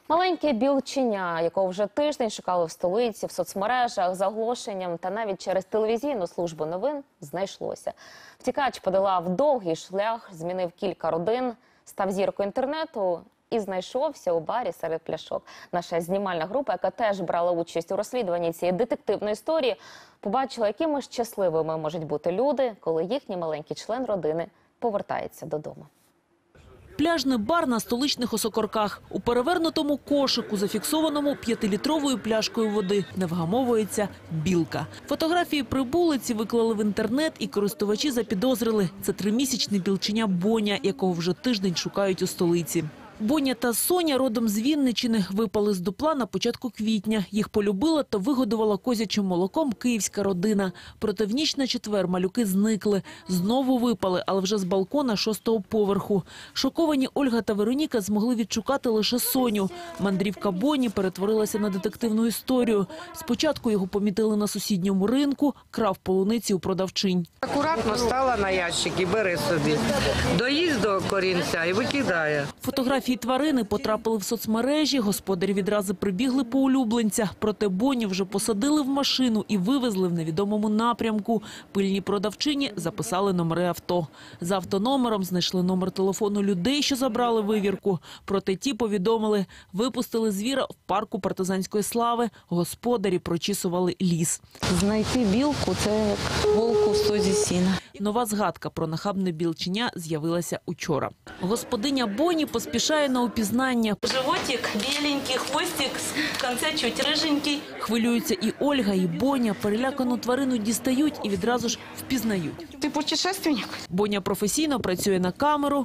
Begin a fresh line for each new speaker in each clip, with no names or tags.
Маленьке білченя, якого вже тиждень шукали в столиці, в соцмережах, за оголошенням та навіть через телевізійну службу новин, знайшлося. Втікач подолав довгий шлях, змінив кілька родин, став зіркою інтернету і знайшовся у барі серед пляшок. Наша знімальна група, яка теж брала участь у розслідуванні цієї детективної історії, побачила, якими щасливими можуть бути люди, коли їхній маленький член родини повертається додому.
Пляжний бар на столичних Осокорках. У перевернутому кошику, зафіксованому 5-літровою пляшкою води, не вгамовується білка. Фотографії прибулиці виклали в інтернет, і користувачі запідозрили – це 3-місячне білченя Боня, якого вже тиждень шукають у столиці. Боня та Соня родом з Вінничини, випали з дупла на початку квітня. Їх полюбила та вигодувала козячим молоком київська родина. Проте в ніч на четвер малюки зникли. Знову випали, але вже з балкона 6-го поверху. Шоковані Ольга та Вероніка змогли відшукати лише Соню. Мандрівка Боні перетворилася на детективну історію. Спочатку його помітили на сусідньому ринку, крав полуниці у продавчинь.
Акуратно стала на ящик і бери собі. Доїзд до корінця і викидає.
Фотографії тварини потрапили в соцмережі, господарі відразу прибігли по улюбленця. Проте Боню вже посадили в машину і вивезли в невідомому напрямку. Пильні продавчині записали номери авто. За автономером знайшли номер телефону людей, що забрали вивірку. Проте ті повідомили, випустили звіра в парку партизанської слави. Господарі прочісували ліс.
Знайти білку – це як волку в стозі сіна.
Нова згадка про нахабне білченя з'явилася учора. Господиня Боні поспішає на упізнання.
Животик біленький, хвостик, в кінці чуть риженький.
Хвилюються і Ольга, і Боня. Перелякану тварину дістають і відразу ж впізнають.
Ти путешественник?
Боня професійно працює на камеру,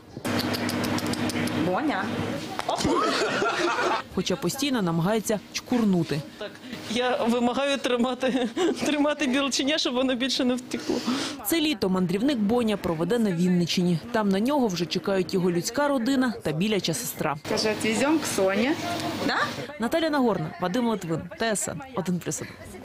Боня.
хоча постійно намагається чкурнути.
Я вимагаю тримати білченя, щоб воно більше не втекло.
Це літо мандрівник Боня проведе на Вінничині. Там на нього вже чекають його людська родина та біляча сестра.
Каже, відвеземо к Соні. Да?
Наталя Нагорна, Вадим Литвин, ТСН 1+1.